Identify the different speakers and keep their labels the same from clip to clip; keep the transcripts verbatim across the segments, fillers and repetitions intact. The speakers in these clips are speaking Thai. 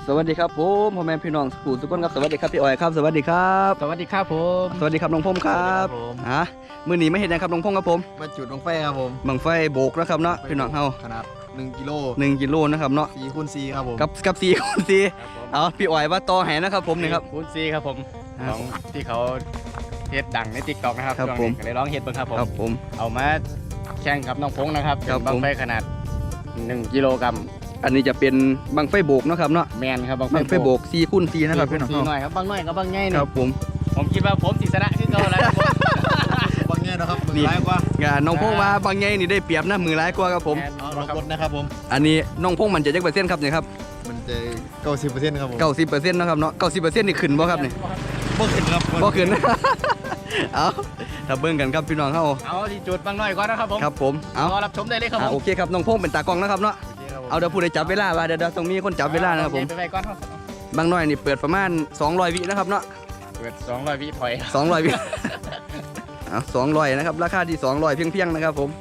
Speaker 1: สวัสดีครับผมพ่อแม่พี่น้องสุขุสุขคนครับสวัสดีครับพี่อ้อยครับสวัสดีครับ
Speaker 2: สวัสดีครับผม
Speaker 1: สวัสดีครับน้องพงครับฮะมื้อนี้ไม่เห็นนะครับน้องพงครับผม
Speaker 3: มาจุดลงไฟครับผม
Speaker 1: บังไฟโบกนะครับเนาะพี่น้องเฮา
Speaker 3: ขนาดหนึ่งกิโล
Speaker 1: หนึ่งกิโลนะครับเนาะ
Speaker 3: สี่คูณสี่ครับผม
Speaker 1: กับกับสี่คูณสี่เอาพี่อ้อยว่าต่อแหนะครับผมนี่ครับ
Speaker 2: คูณซีครับผม
Speaker 1: ครับ
Speaker 2: ของที่เขาเฮ็ดดังในติ๊กต็อกนะครับ
Speaker 1: ครับ
Speaker 2: ช่วงนี้
Speaker 1: ผม
Speaker 2: ก็เลยร้องเฮ็ดเบิ่งครับผม
Speaker 1: ครับผม
Speaker 2: เอามาแข่งกับน้องพงนะครับ
Speaker 1: ครับ
Speaker 2: เป็นบัง
Speaker 1: ผม
Speaker 2: ไฟขนาดหนึ่งกิโลกรัม
Speaker 1: อันนี้จะเป็นบังไฟโบกเนาะครับเนาะ
Speaker 2: แมนครับบัง
Speaker 1: บังไฟโบกสี่คูณสี่นะครับพี่น้อง
Speaker 2: ซี
Speaker 1: เฮา
Speaker 2: หน่อยครับบังน้อยกับบังใหญ่
Speaker 1: ค
Speaker 2: นี่
Speaker 1: รับผม
Speaker 2: ผมคิดว่าผมสิชนะขึ้นเขาแล้วครับผม
Speaker 3: บางแง่นะครับมือร้ายกว่าง
Speaker 1: านน้องพงว่าบางไงนี่ได้เปรียบนะมือร้ายกว่าครับผม
Speaker 2: แน
Speaker 3: เอา
Speaker 2: ค
Speaker 3: ล
Speaker 2: รั
Speaker 3: อง
Speaker 2: บ
Speaker 3: กดนะครับผม
Speaker 1: อันนี้น้องพงมันจะจักเปอร์เซ็นต์ครับเนี่ยครับ
Speaker 3: มันจะเก้าสิบเปอร์เซ็นต์ครับผม
Speaker 1: เก้าสิบเปอร์เซ็นต์นะครับเนาะเก้าสิบเปอร์เซ็นต์นี่ขึ้นบ่ครับเนี่ย
Speaker 3: บ่ขึ้นครับ
Speaker 1: บ่ขึ้น เอาถ้าเบิ่งกันครับพี่น้องเฮา
Speaker 2: เอาที่จุดบังน้อยก่อนนะครับผม
Speaker 1: ครับผมเอา
Speaker 2: รอรับชมได้เลยครับ
Speaker 1: อ่ะ
Speaker 2: ผ
Speaker 1: โอ
Speaker 2: ม
Speaker 1: เคครับน้องพงเป็นตากล้องนะครับเนาะ
Speaker 3: โอเคครับผม
Speaker 1: เอาเดี๋ยวผู้ใดจับเวลาว่าเดี๋ยวเดี๋ยวต้องมีคนจับเวลานะครับผม
Speaker 2: ไปไปก่อนครับ
Speaker 1: บางน้อยนี่เปิดประมาณสองร้อยวินะครับเนาะ
Speaker 2: เปิดสองร้อยวิถอย
Speaker 1: สองร้อยวิ เอาสองร้อยนะครับราคาที่สองร้อยเพียงๆนะครับผม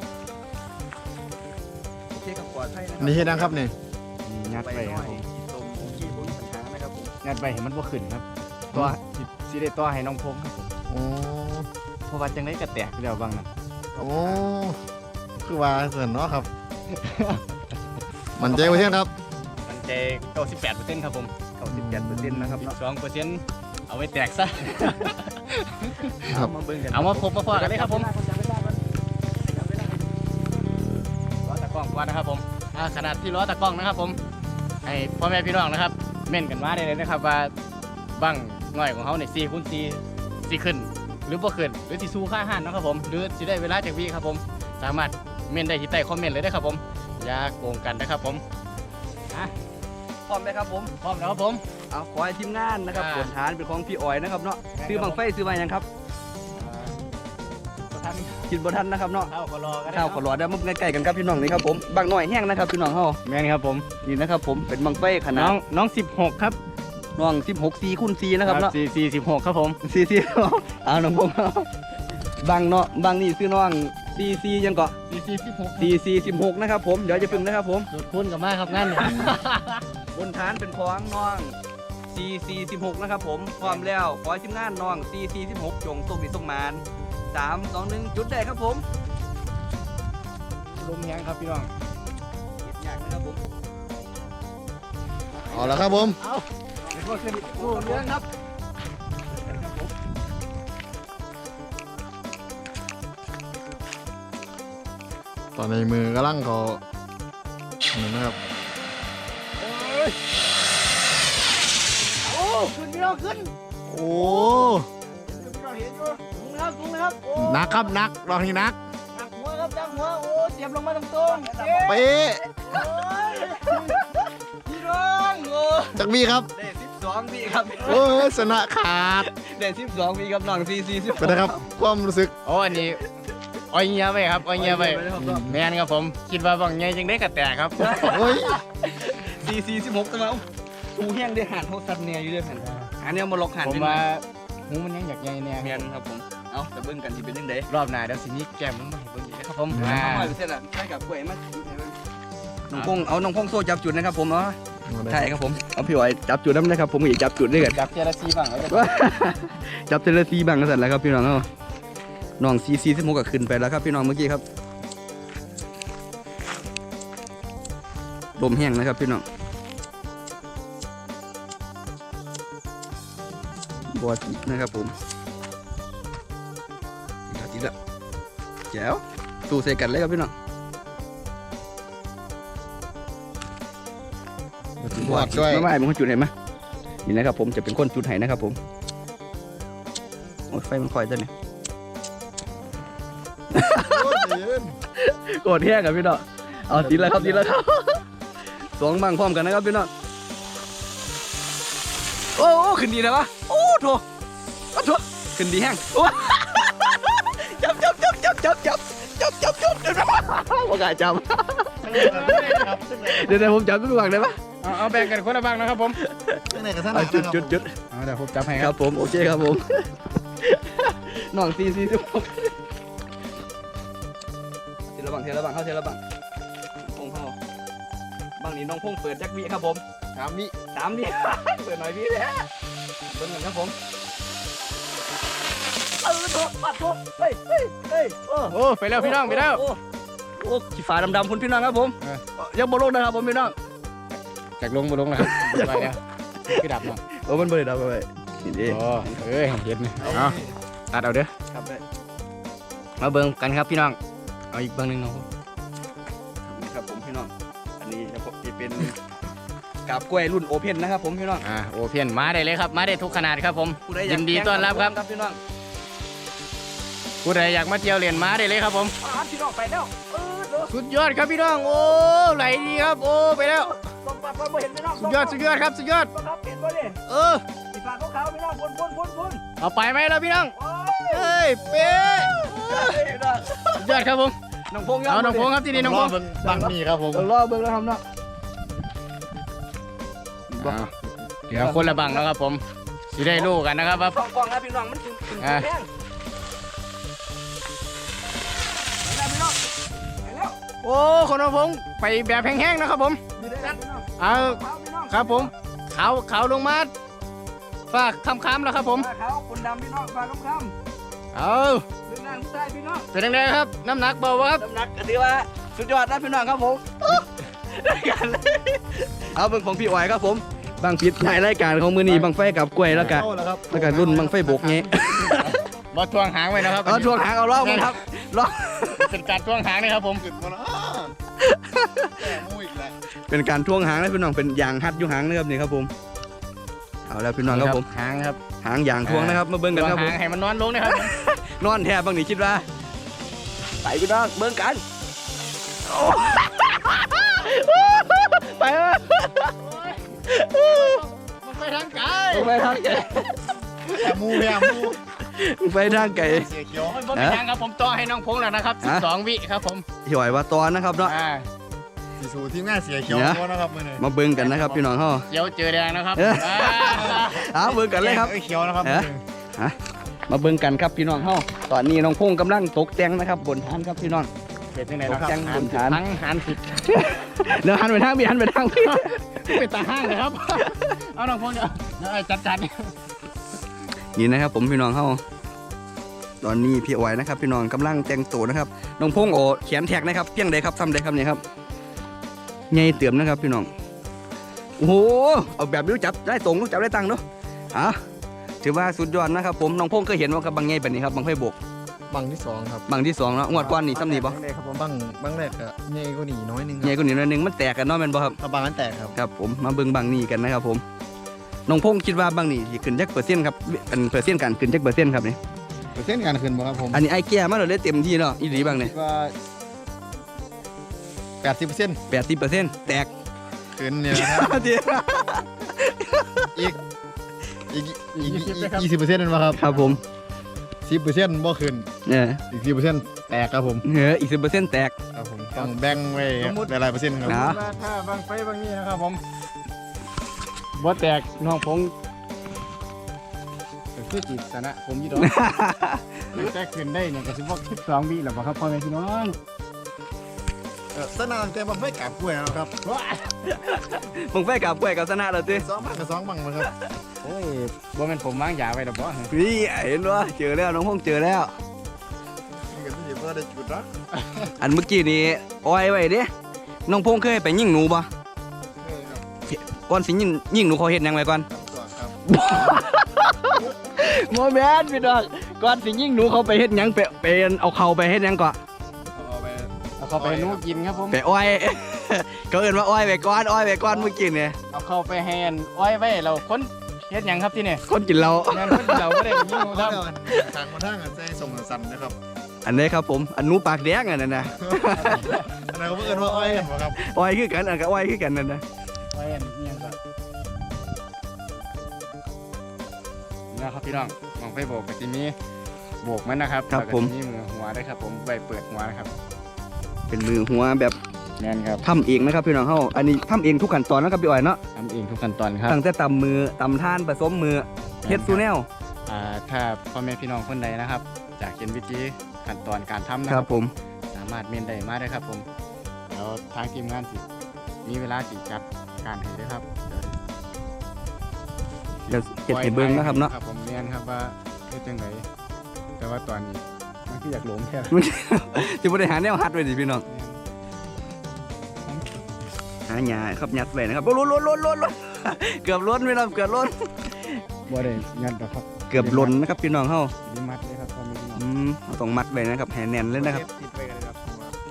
Speaker 1: โอเคครับปลอดภัยนะ
Speaker 3: นี่เฮ็ดนะครับนี่
Speaker 2: งัดไปครับผม
Speaker 1: ตรงที่ผมปัญหานะครับผม
Speaker 2: งัดไปเห็นมันบ่ขึ้นครับตัวสิสิได้ตัวให้น้องพงครับผม
Speaker 3: โอ้
Speaker 2: เพราะว่าจังได๋ก็แตกเดี๋ยวบางนั้น
Speaker 3: โอ้คือว่าเกินเนาะครับ มันใจเปอร์เซ็นต์ครับ
Speaker 2: มันใจเก้าสิบแปดเปอร์เซ็นต์ครับผม
Speaker 1: เก้าสิบเจ็ดเปอร์เซ็นต์นะครับเนาะ
Speaker 2: สองเปอร์เซ็นต์เอาไว้แตกซะ
Speaker 3: ครับ
Speaker 1: มาเบิ่งกัน
Speaker 2: เอามาพบมาพอกันเลยครับผมล้อตะกล้องก่อนนะครับผมอ่าขนาดที่ล้อตะกล้องนะครับผมให้พ่อแม่พี่น้องนะครับเม่นกันมาได้เลยนะครับว่าบังหน่อยของเขาเนี่ยสี่คูณสี่สี่ขึ้น หรือบ่ขึ้นหรือที่สู้ค่าอาหารนะครับผมหรือสิได้เวลาจากวีครับผมสามารถเม่นได้ที่ใต้คอมเมนต์เลยนะครับผมอย่าโกงกันนะครับผมอ่ะ
Speaker 1: พร้อมไหมครับผม
Speaker 2: พร้อมแล้วครับผม
Speaker 1: เอาขอให้ทีมงานนะครับ
Speaker 2: อ่า
Speaker 1: ผลฐานเป็นของพี่อ้อยนะครับเนาะซื้อบังไฟซื้อมายังครับ
Speaker 2: ท่าน
Speaker 1: คิดบ่ทันนะครับเนาะ
Speaker 2: เข้าก็รอกัน
Speaker 1: ข้าวขอรอได้มาใกล้ๆกันครับพี่น้องนี่ครับผมบางหน่อยแห้งนะครับพี่น้องเฮา
Speaker 2: แม่นครับผม
Speaker 1: นี่นะครับผมเป็นบังไฟขนา
Speaker 2: น้อ
Speaker 1: ด
Speaker 2: งน้องสิบหกครับ
Speaker 1: น้องสิบหก สี่คูณสี่นะครับเนาะ
Speaker 2: สี่สี่สิบหกครับผม
Speaker 1: สี่สี่เอาน้องผมเอาบางเนาะบางนี่ซื้อน้องสี่สี่ยังเกาะ
Speaker 2: สี่สี่สิบหก
Speaker 1: สี่สี่สิบหกนะครับผมเดี๋ยวจะพึ่งนะครับผม
Speaker 2: จุดคุณกับมาครับงั้น
Speaker 1: บนฐานเป็นของน้องสี่สี่สิบหกนะครับผมพร้อมแล้วขอให้ทีมงานน้องสี่สี่สิบหกจงส่งดิส่งมานสามสองหนึ่งจุดได้ครับผม
Speaker 2: ลมแห้งครับพี่น้อง
Speaker 1: เก็บยากนะครับผม
Speaker 3: เอาละครับผม
Speaker 2: เอาเดี๋ยวก็ขึ้นโอ้เรื่องครับ
Speaker 3: ตอนในมือกำลังเขานี่นะครับ
Speaker 2: โอ้ขึ้นพี่น้องขึ้น
Speaker 3: โอ้
Speaker 2: ขึ้นพี่น้องเห็นอยู่สูงนะครับสูงนะครับโอ้
Speaker 3: หนักครับหนักรองนี้หนัก
Speaker 2: ดักหัวครับดักหัวโอ้เสียบลงมาตรงๆเอ๊ะ
Speaker 3: เป๊ะ
Speaker 2: โอ้ยพี่น้องโอ้
Speaker 3: จักวีครับ
Speaker 1: ได้สิบสองปีครับ
Speaker 3: โอ้ยชนะขาด
Speaker 1: ได้สิบสองปีครับน้องสี่สี่สิบ
Speaker 3: ไปนะครับ ความรู้สึก
Speaker 2: โอ้อันนี้อ้อยเงี้ยไปครับอ้อยเงี้ยไปแม่นครับผมคิดว่าบางเงี้ยจังได้กระแตกครับ
Speaker 3: โอ้ย
Speaker 1: สี่สี่สิบหกตัวเอาตูแห้งได้หันเขาสัตว์เนี่ยอยู่ด้วยแผ่นอันนี้เอามาล็อกหัน
Speaker 2: ผม
Speaker 1: เป็น
Speaker 2: ว่าหูมันยังอยากใหญ่เนี่ย
Speaker 1: เมียนครับผมเอาแต่เบิ่งกันที่เป็นยังไง
Speaker 2: รอบหน้าเดี๋ยวสิมีแก้มมันมาให้เบิ่งอีกนะครับผมอ่า
Speaker 1: เอามาเสร็จละใช่กับกล้วยมาน้องพงเอาน้องพงโซ่จับจุดนะครับผมเนาะใช่ครับผมเอาพี่อ้อยจับจุดนั้นนะครับผมอีกจับจุดด้วยกัน
Speaker 2: จับเจลาซีบ้างแล้วกัน
Speaker 1: จับเทเลซีบังกันเสร็จแล้วครับพี่น้องเนาะน้องซีซีสิบหกก็ขึ้นไปแล้วครับพี่น้องเมื่อกี้ครับลมแห้งนะครับพี่น้องบอตินะครับผมอีกแล้วอีกแล้วแจ๋วสู้ใส่กันเลยครับพี่น้อง
Speaker 3: บวกด้วย
Speaker 1: ไม่ไม่เป็นคนจุดเห็นไหมนี่นะครับผมจะเป็นคนจุดไห้นะครับผมโอ้ยไฟมันคอยจะเนี่ย
Speaker 3: โอ้ยยืน
Speaker 1: โกรธแห้งครับพี่น้องเอาทีละครับทีละครับสองบังพร้อมกันนะครับพี่น้องโอ้โอ้ขึ้นดีนะวะโอ้โถโอ้โถขึ้นดีแห้งโอ้จับจับจับจับจับจับจับจับจับเดี๋ยวนะว่ากล้าจับเดี๋ยวเดี๋ยวผมจับทุกฝั่งได้ปะ
Speaker 2: เอาเอาแบ่งกันคนละบ้างนะครับผม
Speaker 3: ข้างในกับท่าน
Speaker 1: เอาจุดจุดจุด
Speaker 2: เอาเดี๋ยวผมจับให้
Speaker 1: ค
Speaker 2: ค
Speaker 1: รั
Speaker 2: รั
Speaker 1: บบ ผมโอเคครับผมน้องซีซีสิบหกเทละบังเทละบังเข้าเทละบังพงเข้าบังนี้น้องพงเปิดแจ็ควีครับผม
Speaker 3: สามวิ
Speaker 1: สามนี่ เปิดหน่อยพี่เลยเปิดหน่อยครับผมเออโถปัดโถเฮ้ยเฮ้ยเฮ้ยโอ้
Speaker 2: โอ้ไปแล้วพี่น้องไปแล้ว
Speaker 1: โอ้โอ้ขี้ฝาดำๆคุณพี่น้องครับผม
Speaker 2: เออ
Speaker 1: ยังบอลงนะครับผมพี่น้อง
Speaker 2: จากลงมาลงนะครับไปแล้วพี่ดับเนาะ
Speaker 1: โอ้มันบริดับไปนี่ดิ
Speaker 2: โอ้เอ้ยเห็นเอาตัดเอาเด้อ
Speaker 1: ครับได้
Speaker 2: มาเบิ่งกันครับพี่น้องเอาอีกเบิ่งหนึงเนาะ
Speaker 1: ครับผมพี่น้องอันนี้จะเป็นกาบกล้วยรุ่นโอเพ่นนะครับผมพี่น้อง
Speaker 2: อ่าโอเพียนมาได้เลยครับมาได้ทุกขนาดครับผม
Speaker 1: ผู้ใดอยาก
Speaker 2: ยินดีต้อนรับครับ
Speaker 1: ครับพี่น้อง
Speaker 2: ผู้ใดอยากมาเที่ยวเรียนมาได้เลยครับผม
Speaker 1: อ่าพี่น้องไปแล้วเออเด้อ
Speaker 2: สุดยอดครับพี่น้องโอ้ไหลดีครับโอ้ไปแล้ว
Speaker 1: ต้องปัดต้องบ่เห็นพี่น้อง
Speaker 2: สุดยอดสุดยอดครับสุดยอด
Speaker 1: ต้องครับเห็นบ่ดิ
Speaker 2: เออ
Speaker 1: สีฟ้าขาวๆพี่น้องบนบนบนบน
Speaker 2: เอาไปไหมล่ะพี่น้อง
Speaker 1: โอ้ย
Speaker 2: เอ้ยเป๊ะ
Speaker 1: พี่น้อง
Speaker 2: สุดยอดครับผม
Speaker 1: น้องพงษ์
Speaker 2: เอาน้องพงษ์ครับที่นี่น้องพงษ์
Speaker 3: รบบังนี่ครับผม
Speaker 1: เออรอเบิ่งแล้วครับเนาะ
Speaker 2: อ่าเดี๋ยวคนละบังแล้วครับผมสิได้รู้กันนะครับว่า
Speaker 1: ฟองฟองนะพี่น้องมันถึงถึง
Speaker 2: อ่ะ
Speaker 1: แห้งไปแล้วพี่น้องไปแล้ว
Speaker 2: โอ้คนน้องพงษ์ไปแบบแห้งๆนะครับผม
Speaker 1: มีได้แล้วพี่น้อง
Speaker 2: เอา
Speaker 1: ขาวพี่น้อง
Speaker 2: ครับผมขาวขาวลงมาฝากคำคำๆแล้วครับผม
Speaker 1: ฟ้าขาวคนดำพี่น้องฟ้าคำ
Speaker 2: เอา
Speaker 1: ๆลึกน้ำใต้พี่น้อง
Speaker 2: เป็นยังไงครับน้ำหนักเบาบ่ครับ
Speaker 1: น้ำหนักก็ถือว่าสุดยอดนะพี่น้องครับผมได้กันเลยเอาเบิ่งของพี่อ๋อยครับผมบางพิษในรายการของมือนี้บางไฟกับกล้วยแล้วก็
Speaker 3: เข้าแล้วครับ
Speaker 1: แล้วก็รุ่นบางไฟบกเงี้ย
Speaker 2: บอทวงหางไว้นะครับ
Speaker 1: เอาช่วงหางเอารอบมั้งครับรอบ
Speaker 2: เป็นการทวงหางนะครับผม
Speaker 3: ขึ้นมาแล้วแต่มูอีกแล้ว
Speaker 1: เป็นการท่วงหางนะพี่น้องเป็นยางฮัดอยู่หางนะครับนี่ครับผมเอาแล้วพี่น้องครับผม
Speaker 2: หางครับ
Speaker 1: หางยางท่วงนะครับมาเบิ่ง
Speaker 2: ท
Speaker 1: กัน
Speaker 2: วง
Speaker 1: ครับผ
Speaker 2: หาม งให้มันนอนลงนะครับผม
Speaker 1: นอนแทบบางนี่คิดว่าไปพี่น้องเบิ่งกันโอ้ไปเออ
Speaker 2: มันไปทางไกล
Speaker 1: ไปทางไก่
Speaker 3: แต่มูแย่มู
Speaker 1: ไปทางไก่
Speaker 3: เสียเขียว
Speaker 2: โอ้ยผมเป็นทางครับผมต่อให้น้องพงษ์แล้วนะครับสิบสองวิครับผม
Speaker 1: พี่อ๋อยว่าตอนนะครับเนาะ
Speaker 2: อ่า
Speaker 3: สีสูที่แม่เสียเขียว
Speaker 1: เนี่ย
Speaker 3: เพราะนะครับมือนี่
Speaker 1: มาเบิ่งกันนะครับพี่น้องเฮา
Speaker 2: เขียวเจอแดงนะครับ
Speaker 1: เออ
Speaker 2: อ่า
Speaker 1: เอาเบิ่งกันเลยครับ
Speaker 3: เขียวนะครับ
Speaker 1: เอ๊ะ มาเบิ่งกันครับพี่น้องเฮาตอนนี้น้องพงษ์กำลังตกแต่งนะครับบนฐานครับพี่น้อง
Speaker 2: เป็นยังไงนะครับ
Speaker 1: ตกแต่งบนฐาน
Speaker 2: ทั้งหันผิด
Speaker 1: เดี๋ยวหันไปทางพี่หันไปทางพี่
Speaker 2: เป็นตาห้างเลยครับ เอาน้องพงษ์เดี๋ยวเดี๋ยวไอ้จัดจัด
Speaker 1: นี่นะครับผมพี่น้องเฮาตอนนี้พี่อ๋อยนะครับพี่น้องกำลังแต่งตัวนะครับน้องพงษ์โอเขียนแท็กนะครับเพียงใดครับทำใดครับเนี่ยครับใหญ่เติมนะครับพี่น้องโอ้โหเอาแบบรู้จับได้ตรงรู้จับได้ตังค์เนาะอ่ะถือว่าสุดยอดนะครับผมน้องพงษ์เคยเห็นว่ากับบางใหญ่แบบนี้ครับบางไฟบก
Speaker 3: บังที่สองครับ
Speaker 1: บางที่สองเนาะงวดก้อนนี่ซ้ำนี่บ่
Speaker 3: บังแรกครับผมบังบังแรกอะใหญ่กว่านี่น้อยหนึงค
Speaker 1: ใหญ่
Speaker 3: รับ
Speaker 1: กว่านี้หนิดนึงมันแตกกันเนาะแม่นบ่ครับ
Speaker 3: ถ้าบังนั้นแตกครับ
Speaker 1: ครับผมมาเบิ่งบางนี่กันนะครับผมน้องพงษ์คิดว่าบางนี่สิขึ้นจักเปอร์เซ็นต์ครับอันเปอร์เซ็นต์การขึ้นจักเปอร์เซ็นต์ครับนี่
Speaker 3: เปอร์เซ็นต์การขึ้นบ่ครับผม
Speaker 1: อันนี้ไอ้แก่มาเราได้เต็มที่เนาะอีหลีบางนี่
Speaker 3: คิดว่าแปดสิบเปอร์เซ็นต์
Speaker 1: แปดสิบเปอร์เซ็นต์แตก
Speaker 3: ขึ้นเนี่ยนะครับ
Speaker 1: เดี๋ยว
Speaker 3: อีกอีกอีกอีกยี่สิบเปอร์เซ็นต์นั่นวะครับ
Speaker 1: ครับผม
Speaker 3: สิบเปอร์เซ็นต์บ่ขึ้น
Speaker 1: เนี่ย
Speaker 3: อีกสิบเปอร์เซ็นต์แตกครับผม
Speaker 1: เอออีกสิบเปอร์เซ็นต์แตก
Speaker 3: ครับผมต้องแบ่งไว้หลายๆเปอร์เซ็นต์ครับ
Speaker 1: นะ
Speaker 2: ถ้าบางไฟบางนี้นะครับผมบ่แตกน้องพงษ์ก็คือจิตสนะผมอยี่ดอก แตกขึ้นได้เนี่ยก็สิบว่าสิบสองวิแล้วบ่ครับพ่อแม่พี่น้อง
Speaker 3: เออสนามแต่บังไฟกับกล้วยนะครับ
Speaker 1: มึงไฟกับกล้วยกับสนะเราติ
Speaker 3: สองบังกับสองบังนะครับ
Speaker 2: โอ้ยบ่แม่นผมวางยาไว้ดอกบ่
Speaker 1: นี่เห็นว่าเจอแล้วน้องพงษ์เจอแล้ว
Speaker 3: นี่ก็ที่เพื่อได้จุดนะ
Speaker 1: อันเมื่อกี้นี้อ้อยไว้เด้น้องพงษ์เคยไปยิงหนูบ่
Speaker 3: เออครับ
Speaker 1: ก่อนสิยิงยิงหนูเขาเฮ็ดหยังไว้ก่อน
Speaker 3: ตัวครับ
Speaker 1: โมแมนพี่น้องก่อนสิยิงหนูเขาไปเฮ็ดหยังไปไปเอาเขาไปเฮ็ดหยังก่อน
Speaker 3: เอาไป
Speaker 2: เอาเข้าไปให้หนูกินครับผม
Speaker 1: ไปอ้อย เขาเอิ้นว่าอ้อยไปก่อนอ้อยไปก่อนเมื่อกี้เนี่ย
Speaker 2: เอาเข้าไปแฮนอ้อยไว้เราคนเฮ็ดหยังครับที่นี่
Speaker 1: คนกินเรา
Speaker 2: งานคนเราบ่ได้ยิงหนู
Speaker 3: เอา
Speaker 2: ครับ
Speaker 3: ทางมาทางอ่ะใจส่งสันนะครับ
Speaker 1: อันนี้ครับผมอันหนูปากแดงอันนั้นนะ
Speaker 3: อันนั้นเขาเพิ่งเอิ้นว่าอ้อยกันบ่ครับ
Speaker 1: อ้อยคือกันอันก็อ้อยคือกันนั่นนะ
Speaker 2: ไว้อันนี้ยังก็นะครับพี่น้องมองไปโบกกับทีนี้โบกมันนะครับแล้วก็ทีนี้มือหัวได้ครับผมใบเปิดหัวนะครับ
Speaker 1: เป็นมือหัวแบบ
Speaker 2: แม่นครับ
Speaker 1: ทำเองนะครับพี่น้องเฮาอันนี้ทำเองทุกขั้นตอนนะครับพี่อ้อยเนาะ
Speaker 2: ทำเองทุกขั้นตอนครับ
Speaker 1: ตั้งแต่ตำมือตำท่านผสมมือเฮ็ดซูแนล
Speaker 2: อ่าถ้าพ่อแม่พี่น้องคนใดนะครับจากเห็นวิธีขั้นตอนการทำนะ
Speaker 1: ค
Speaker 2: ค
Speaker 1: รั
Speaker 2: รั
Speaker 1: บบ ผม
Speaker 2: สามารถเมนได้มาได้ครับผมเดี๋ยวทางทีมงานสิมีเวลาสิจัดการให้ด้วยครับเดี๋ยว
Speaker 1: ดี๋ยวเก็บให้เบิ้งนะครับเนาะ
Speaker 2: ครับผมเรียนครับว่าเฮ็ดจังไดแต่ว่าตอนนี้มันคืออยากหลงแค่
Speaker 1: จะบริหารแนวฮัดไว้สิพี่น้องหาหยาครับยัดไว้นะครับล้นล้นล้นล้นล้นเกือบล้นพี่น้องเกือบล้น
Speaker 2: บ่ได้ยันหรอกครับ
Speaker 1: เกือบล้นนะครับพี่น้องเฮา
Speaker 2: มีมัดเลยครับพอมีพี่น้อง
Speaker 1: อืมเราต้องมัดไว้นะครับแหนแน่นเลยนะครับ
Speaker 2: ติดไว้กันเลยครับ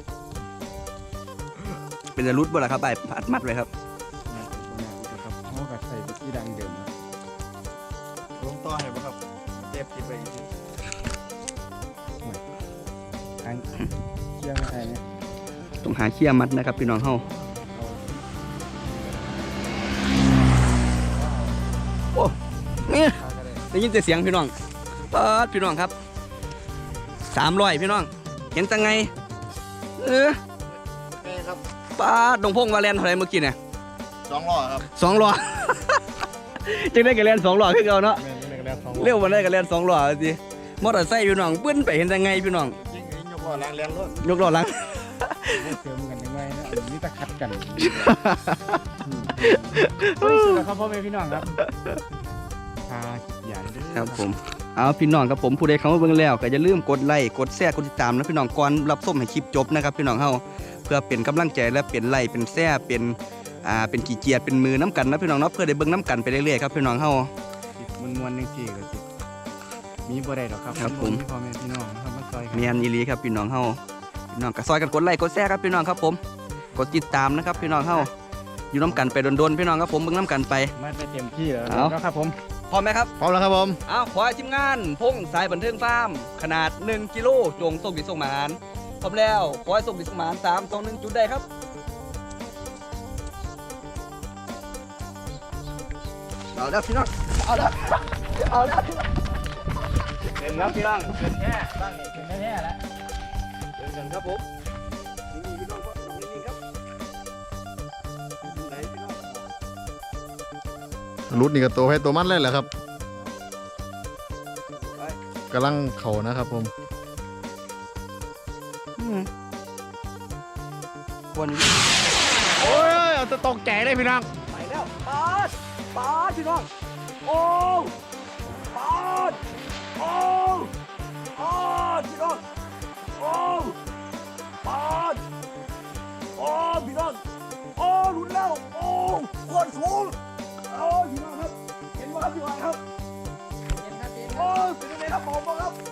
Speaker 1: เป็นจะรุดบ่ล่ะครับไอ้พัดมัดไว้ครับ
Speaker 2: ครับเขาก็ใส่ไปที่ดังเดิมครับ
Speaker 3: ลงต่อให้บ่ครับเจ็บติดไปอีกที
Speaker 2: ทางเชี่ยงไทยเนี่ย
Speaker 1: ต้องหาเขี้ยมัดนะครับพี่น้องเฮาโอ้เนี่ย
Speaker 2: เอาก็ได้
Speaker 1: ได้ยินแต่เสียงพี่น้องปาดพี่น้องครับสามร้อยพี่น้องเห็นจังไงเออ
Speaker 3: นี่ครับ
Speaker 1: ปาดดงพงวาเลนเท่าไหรเมื่อกี้เนี่ย
Speaker 3: สองล้อครับ
Speaker 1: สองล้อ จังได้กับแลนสองล้อคือเก่าเนาะ
Speaker 2: แม่นเล็กแล้วสอง
Speaker 1: เร็ววันได้กับแลนสองล้อสิมอเตอร์ไซค์พี่น้องเบิ้นไปเห็นจังไงพี่น้อง
Speaker 3: ยิงยิงยกล้อแรงแรงรถ
Speaker 1: ยกล้อหลัง
Speaker 2: เสริมกันยังไงนะอันนี้ตะคัดกันโอ้ยสุดแล้วครับพ่อแม่พี่น้องครับพาคิดใหญ่เด้อ
Speaker 1: ครับผมเอาพี่น้องครับผมผู้ใดเข้ามาเบิ่งแล้วก็อย่าลืมกดไลค์กดแชร์กดติดตามนะพี่น้องก่อนรับชมให้คลิปจบนะครับพี่น้องเฮาเพื่อเป็นกำลังใจและเป็นไลค์เป็นแชร์เป็นอ่าเป็นกี่เกียรติเป็นมือน้ำกันนะพี่น้องเนาะเพื่อได้เบิ่งน้ำกันไปเรื่อยๆครับพี่น้องเฮา
Speaker 2: สิมวนๆจังซี่ก็สิมีบ่ได้ดอกครับ
Speaker 1: ครับผม
Speaker 2: พ่อแม่พี่น้องนะครับมาซอยกัน
Speaker 1: เมียนอีหลีครับพี่น้องเฮาพี่น้องก็ซอยกันกดไลค์กดแชร์ครับพี่น้องครับผมกดติดตามนะครับพี่น้องเฮาอยู่น้ำกันไปโดนๆพี่น้องครับผมเบิ่งน้ำกันไป
Speaker 2: มาไปเต็มที่แล้ว
Speaker 1: เอา
Speaker 2: นะครับผม
Speaker 1: พร้อมไหมครับ
Speaker 3: พร้อมแล้วครับผม
Speaker 1: เอาขอให้ทีมงานพงสายบันเทิงฟาร์มขนาดหนึ่งกิโลจงส่งดิส่งหมานพร้อมแล้วขอให้ส่งดิส่งหมานสามสองหนึ่งจุดได้ครับเอาแล้วพี่น้องเอาแล้วเอาแล้ว
Speaker 2: เต็มแล้วพี่น้องเต็มแค่บ้านนี้เต็มแค่แล้ว
Speaker 1: เดินกันครับผมนี่พี่น้องครับนี่ครับไหนพี่น้อง
Speaker 3: รุดนี่ก็ตัวให้ตัวมันเลยแหละครับ
Speaker 1: ไป
Speaker 3: กำลังเข่านะครับผม
Speaker 1: อืมวันนี้
Speaker 2: โอ้ยเอาจะตกใจเลยพี่น้อง
Speaker 1: ไปแล้วปาดปาดพี่น้องโอ้ปาดโอ้ปาดพี่น้องโอ้ปาดโอ้พี่น้องโอ้หลุดแล้วโอ้โคตรสูงโอ้พี่น้องครับเห็นไหมครับพี่น้องครับโอ้เป็นยังไงครับผมบ้างครับ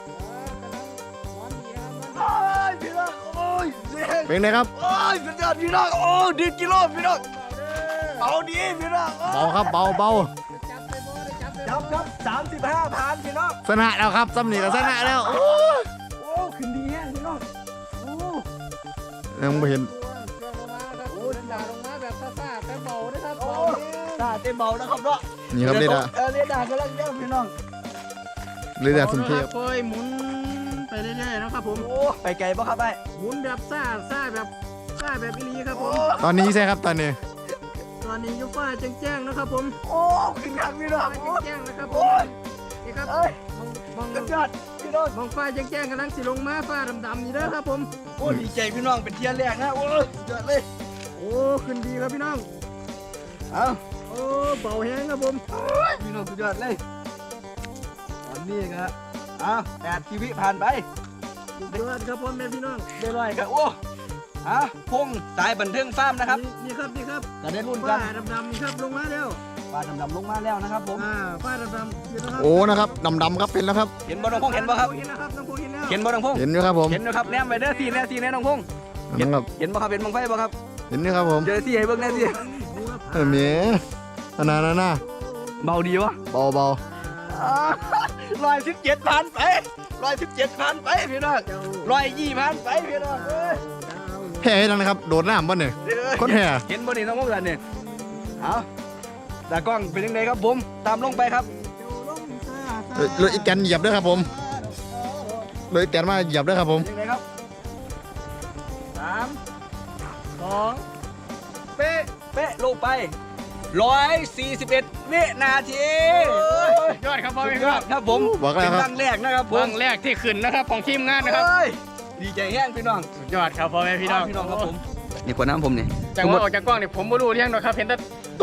Speaker 1: โอ้ยพี่น้องโอ้ยเสียง
Speaker 3: เป็นไงครับ
Speaker 1: โอ้ยสุดยอดพี่น้องโอ้ดีกิโลพี่น้องเอาดีพี่น้องโอ้
Speaker 3: เบาครับเบาเบา
Speaker 1: จับครับสามสิบห้าพันพี่น้อง
Speaker 3: ชนะแล้วครับซ้ำนี่ก็ชนะแล้วโอ้
Speaker 1: โอ้ขึ้นดีแฮะพี่น้องโอ้
Speaker 3: ยังไม่เห็น
Speaker 2: โอ้ยด่าลงมาแบบซ่าๆแต่เบานะครับ
Speaker 1: โอ้
Speaker 2: เบา
Speaker 1: ตาเต็มเบานะครับเนาะ
Speaker 3: นี่ครับเรดาร์
Speaker 1: เออเรดาร์กำลังเยอะพี่น้อง
Speaker 3: เรดาร์สุนเทพ
Speaker 2: ค่อยหมุนไปเรื่อยๆนะครับผม
Speaker 1: โอ้ไปไกลป่ะครับไอ้
Speaker 2: หมุนแบบซ่าซ่าแบบซ่าแบบอีหลีครับผ
Speaker 1: โอ้
Speaker 2: ม
Speaker 3: ตอนนี้ใช่ครับตอนนี้
Speaker 2: ตอนนี้อยูฟ้าแจ้งๆนะครับผม
Speaker 1: โอ้ขึ้นครับพี่น้อง
Speaker 2: ฟ้า
Speaker 1: โอ้
Speaker 2: แจ้งๆนะครับผ
Speaker 1: โอ้
Speaker 2: ม
Speaker 1: ย
Speaker 2: นี่ครับ
Speaker 1: เอ้ย
Speaker 2: มองม
Speaker 1: สุ
Speaker 2: อง
Speaker 1: ดยอดพี่น้อง
Speaker 2: มองฟ้าแจ้งๆกำลังสิลงมาฟ้าดำๆนี่เด้อครับผม
Speaker 1: โอ้ดีใจพี่น้องเป็นเทียนแรกนะโอ้สุดยอดเลย
Speaker 2: โอ้ขึ้นดีครับพี่น้อง
Speaker 1: เอา
Speaker 2: โอ้เบาแห้งครับผม
Speaker 1: โอ้ยพี่น้องสุดยอดเลยตอนนี้ครับเอาแปดชีวิตผ่านไป
Speaker 2: สุดยอดครับผมแม่พี่น้อง
Speaker 1: เรียบร้อยครับโอ้ฮะพงสายบันเทิงฟาร์มนะครับ
Speaker 2: นี่นี่ครับนี่ครับ
Speaker 1: จะได้รุ่นกั
Speaker 2: ฟ้าน ดำๆนี่ครับลงมาแล้ว
Speaker 1: ปลาดำๆลงมาแล้วนะครับผม
Speaker 2: อ่าฟ้าดำๆเห็นแล้วครับ
Speaker 3: โอ้นะครับดำดำๆครับเป็นแล้วครับ
Speaker 1: เห็นบ่น้องพงเห็นบ่ครับ
Speaker 2: เห็นแล้วครับน้องพงเห็นแล้ว
Speaker 1: เห็นบ่น้องพง
Speaker 3: เห็นอยู่ครับผม
Speaker 1: เห็นนะครับแนมไปเด้อสี่แน่สี่แน่น้องพง
Speaker 3: นั่นครับ
Speaker 1: เห็นบ่ครับเห็นบังไฟบ่ครับ
Speaker 3: เห็นอยู่ครับผม
Speaker 1: เจอสี่ให้เบิ่งแน่สี่
Speaker 3: เออเมียอันนั้นน่ะนะ
Speaker 1: เบาดีวะ
Speaker 3: เบาเบา
Speaker 1: ร้อยสิบเจ็ดพันไปร้อยสิบเจ็ดพันไปพี่น้องร้อยยี่พันไปพี่น้องเอ้ย
Speaker 3: แห่ให้ดังนะครับโดดน้ำบ่เนี่ย คนแห่
Speaker 1: เห็นบ่นี่น้องพงกันเนี่ยเอาตากล้องเป็นยังไงครับผมตามลงไปครับ
Speaker 3: เอ้ยรถอีกแกนเหยียบด้วยครับผมรถอีกแกนมาเหยียบด้วยครับผม
Speaker 1: เป็นยังไงครับสามสองเป๊ะเป๊ะลงไปร้อยสี่สิบเอ็ดวินาที
Speaker 2: ยอดครับพ่อ
Speaker 1: สุ
Speaker 2: แม่
Speaker 1: ด
Speaker 2: พี่
Speaker 1: ย
Speaker 2: น้
Speaker 1: อ
Speaker 2: อ
Speaker 1: ด
Speaker 2: ง
Speaker 1: ครับผม
Speaker 3: บอกแล้ว
Speaker 1: เป็น
Speaker 3: ค
Speaker 1: ค
Speaker 3: รับ
Speaker 1: รั้งแรกนะครับผม
Speaker 2: วงแรกที่ขึ้นนะครับของทีมงานนะครับ
Speaker 1: เอ้ยดีใจแห้งพี่น้อง
Speaker 2: สุดยอดครับพ่อแม่พี่น้อง
Speaker 1: พี่น้องครับผมนี่ขวดน้ำผมนี่
Speaker 2: จังหวะออกจากกล้องเนี่ยผมไม่รู้เรื่องหรอกครับเห็นแต่ตุ๊บ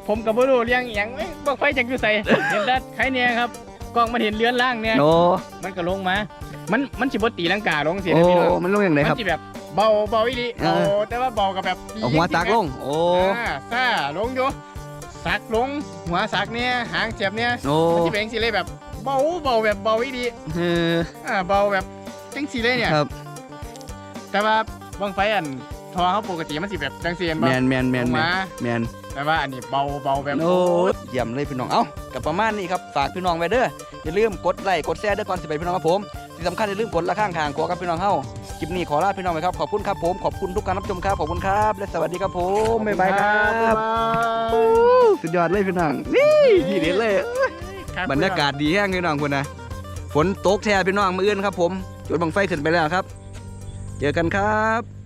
Speaker 2: ผมกับบ่รู้เรื่องอหย่างเอ้ยบังไฟจากอยู่ใส่ เห็นแต่ใครเนี่ยครับกล้องมันเห็นเลือนล่างเนี่ย
Speaker 1: โอ้
Speaker 2: มันก็ลงมา มันมันสิบ่ตีลังกาลงสิ
Speaker 1: โอ้
Speaker 2: นะพี่น้อง
Speaker 1: มันลงอย่างไร
Speaker 2: มั
Speaker 1: ครับ
Speaker 2: สิแบบเบาเบาอีหลี
Speaker 1: เออ
Speaker 2: เบาแต่ว่าเบากับแบบ
Speaker 1: เอาหัวตากลงโอ้
Speaker 2: อ่าซ่าลงอยู่สักลงหัวสักเนี่ยหางเจ็บเนี่ย
Speaker 1: โอ้
Speaker 2: มันสิเป็นจังซี่เลยแบบเบาเบาแบบเบาอีหลี
Speaker 1: เออ
Speaker 2: อ่าเบาแบบจังซี่เลยเนี่ย
Speaker 1: ครับ
Speaker 2: แต่ว่าบังไฟอันทอเขาปกติมันสิแบบจังซี่เห็น
Speaker 1: แม
Speaker 2: บ่
Speaker 1: นแมนแมน
Speaker 2: ลง
Speaker 1: แมน
Speaker 2: มา
Speaker 1: แมน
Speaker 2: แต่ว่าอันนี้เบาเบาแบบ
Speaker 1: โอ้เยี่ยมเลยพี่น้อง เอ้ากับประมาณนี้ครับ ฝากพี่น้องไว้เด้อ อย่าลืมกดไลค์ กดแชร์เด้อก่อนสิไปพี่น้องครับผม ที่สำคัญอย่าลืมกดละข้างทางขอกับพี่น้องเฮาคลิปนี้ขอลาพี่น้องไปครับ ขอบคุณครับผม ขอบคุณทุกการรับชมครับ ขอบคุณครับ และสวัสดีครับผม บ๊ายบายครับ สุดยอดเลยพี่น้อง นี่ทีเด็ดเลย บรรยากาศดีแห้งพี่น้องคุณนะ ฝนตกแท้พี่น้องมืออื่นครับผม จุดบังไฟขึ้นไปแล้วครับ เจอกันครับ